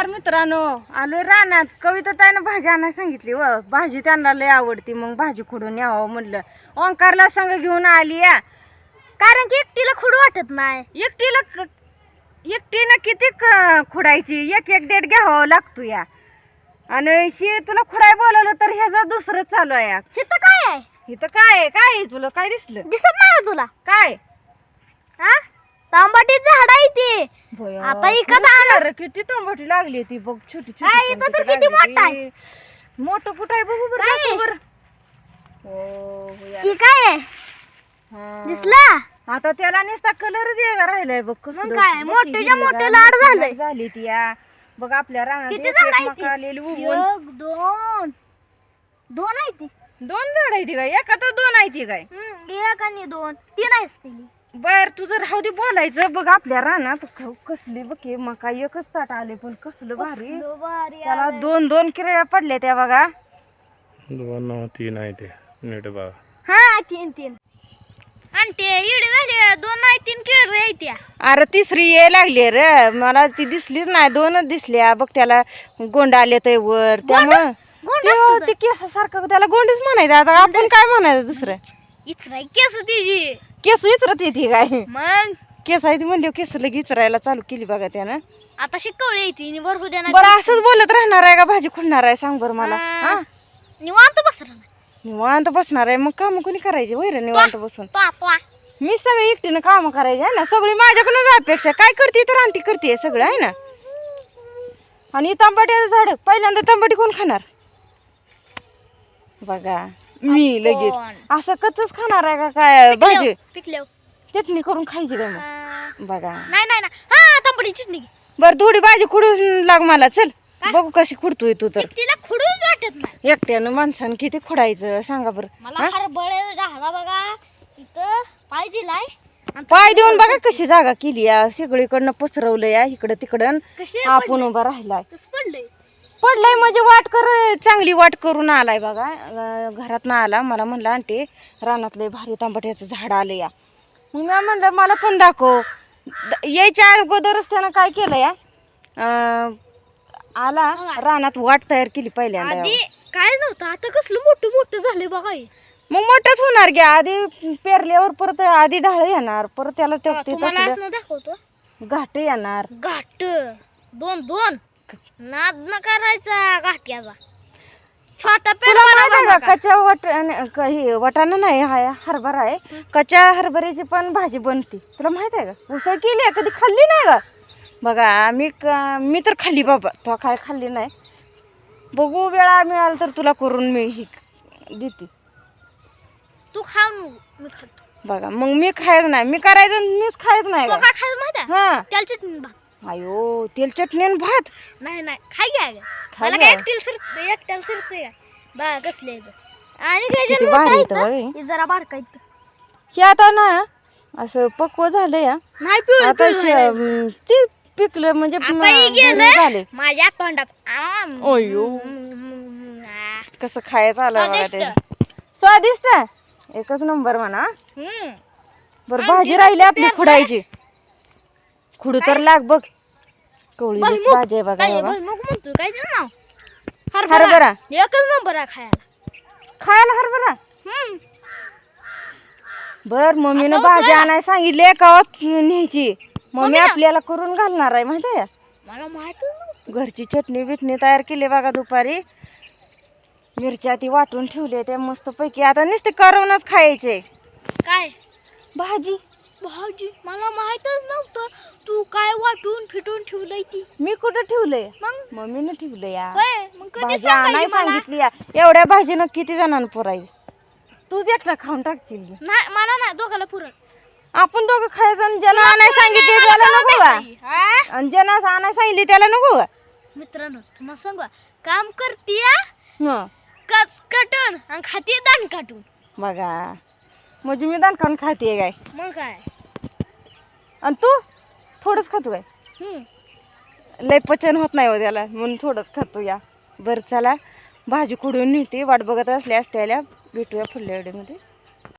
मित्रांनो, आलोय रानात. कविता ताईनं भाजी आणायला सांगितली व भाजी त्यांना लय आवडती, मग भाजी खुडून यावं म्हणलं. ओंकारला संग घेऊन आली या, कारण की एकटीला खुड वाटत नाही. एकटीनं किती खुडायची, एक एक देठ घ्यावं लागतो या. आणि तुला खुडाय बोलवलं तर ह्याचा दुसरं चालू आहे. इथं काय आहे? इथं काय आहे तुला काय दिसलं? दिसत नाही तुला काय? हा, तांबाटी झाड आहे ती. आता इकत आलं. किती तांबटी लागली ती बघ, छोटी काय इथं तर किती मोठा आहे. मोठं कुठं आहे बघू काय? बरं. हो ही काय आहे? दिसला? आता त्याला नुसता कलर राहिलाय बघ. मग काय मोठ्याच्या मोठे लाड झालंय. झाली ती या बघ आपल्या रानात. किती झाड आहे ती? आलेली उगवून. एक, दोन आहे ती. दोन झाड आहे ती काय? एका तर दोन आहे ती काय? एक आणि दोन, तीन आहेस ती. बर तुझं राहू दे बोलायचं. बघ आपल्या रानात कसली बघ मका एकच ताट आले, पण कसलं भारी. त्याला दोन दोन किरड्या पडल्या त्या बघा. दोन तीन आहे ते नीट बघा. हा तीन आणि ते इडे झाले. दोन आहे, तीन किड रे त्या. अरे तिसरी ये लागली रे, मला ती दिसलीच नाही. दोनच दिसल्या बघ. त्याला गोंड आले ते वर, त्यामुळं ते केसासारखं त्याला गोंडच म्हणायचं. आता आपण काय म्हणायचं दुसरं? इचराय केस तिची. केस इचरत येते काय? मग केस आहे ती म्हणजे केस लगी इचरायला चालू केली बघा त्यानं. आता शिकवली येते भरपूर देणार. बरं असंच बोलत राहणार आहे का? भाजी खुडणार आहे सांग बरं मला. हा निवांत बसरा निवांत बसणार आहे. मग काम कोणी करायची वैर निवांत बसून? पापा मी सगळी एकटीनं काम करायची आहे ना. सगळी माझ्याकडून अपेक्षा. काय करते तर आंटी करते सगळं आहे ना. आणि तांबट्याचं झाड पहिल्यांदा तांबटी कोण खाणार बघा? मी लगेच असं कच्चच खाणार आहे का काय? भाजी पिकल्या चटणी करून खायची का मग? बघा नाही हा तांबडी चटणी. बर थोडी भाजी खुडून लाग मला. चल बघू कशी खुडतोय तू. तर तिला खुडून वाटत नाही. एकट्यानं माणसानं किती खुडायचं सांगा बरं? मला हरबळ राहला बघा. इथं पाय दिलाय. पाय देऊन बघा कशी जागा केली या. सगळीकडनं पसरवलं या इकडं तिकडं. आपण उभा राहिलाय. पडलाय म्हणजे वाट चांगली वाट करून आलाय बघा. घरात ना आला. मला म्हणलं आंटी रानातले भारी तांबट्याचं झाड आलं या. मग मी म्हणलं मला पण दाखव. यायच्या अगोदरच त्यानं काय केलं या, आला रानात वाट तयार केली पहिल्यांदा. काय नव्हतं, आता कसलं मोठं मोठं झालंय बघा. मग मोठंच होणार घ्या. आधी पेरल्यावर परत आधी ढाळ येणार, परत त्याला दाखवतो घाट येणार. घाट दोन नाद न करायचा घाट्याचा. छोटा पेर कच्च्या वाटाणा नाही हा हरभरा आहे. कच्च्या हरभऱ्याची पण भाजी बनते. तुला माहित आहे का? उसळ केली आहे कधी? खाल्ली नाही का? बघा मी तर खाल्ली बाबा. तो काय खाल्ली नाही. बघू वेळा मिळाला तर तुला करून मी देते. तू खा मी खातो बघा. मग मी खायचं नाही. मी करायचं मीच खायचं नाही. काय खायचं माहिती आहे? हा तेल चटणी भात. अयो तेल चटणी आणि भात नाही खाय घ्या. मला काय एकट्याला शिरते का बा कसले. आणि जरा बारका हे आता ना असं पक्व झालं या. नाही आता ते पिकलं म्हणजे झाले माझ्या तोंडात. अयो कसं खायचं आलं बघा. ते स्वादिष्ट एकच नंबर म्हणा. बरं भाजी राहिली आपली खुडायची. खुडू तर लाग बघ. कवळी भाजी आहे बघा. म्हणतो काय नाव? हरभरा एकच नंबर आहे खायला हरभरा. बर मम्मीनं भाजी आणायला सांगितली का न्यायची. मम्मी आपल्याला करून घालणार आहे माहिती आहे. मला माहित घरची चटणी बिटणी तयार केली बघा. दुपारी मिरच्या ती वाटून ठेवली त्या मस्त पैकी. आता नुसते करूनच खायचे. काय भाजी मला माहितच नव्हतं. तू काय वाटून फिटून ठेवलंय ती? मी कुठं ठेवलंय? मग मम्मीनं ठेवलं या. भाजी आणायला सांगितली या. एवढ्या भाजीनं किती जणांना पुरायची? तूच एकटा खाऊन टाकशील. मला नाही दोघाला पुरत. आपण दोघं खायचं. आणि ज्याला आणायला सांगितले त्याला नको का? आणि ज्याला आणायला सांगितली त्याला नको का? मित्रांनो तुम्हाला सांगू, काम करते कटून आणि खाते दान काटून. बघा म्हणजे मी दान खाऊन खाते काय? मग काय. आणि तू थोडंच खातो काय? लय पचन होत नाही हो त्याला म्हणून थोडंच खातो या. बरं चला भाजी खुडून नेते. वाट बघत असल्या भेटूया पुढल्या व्हिडिओमध्ये.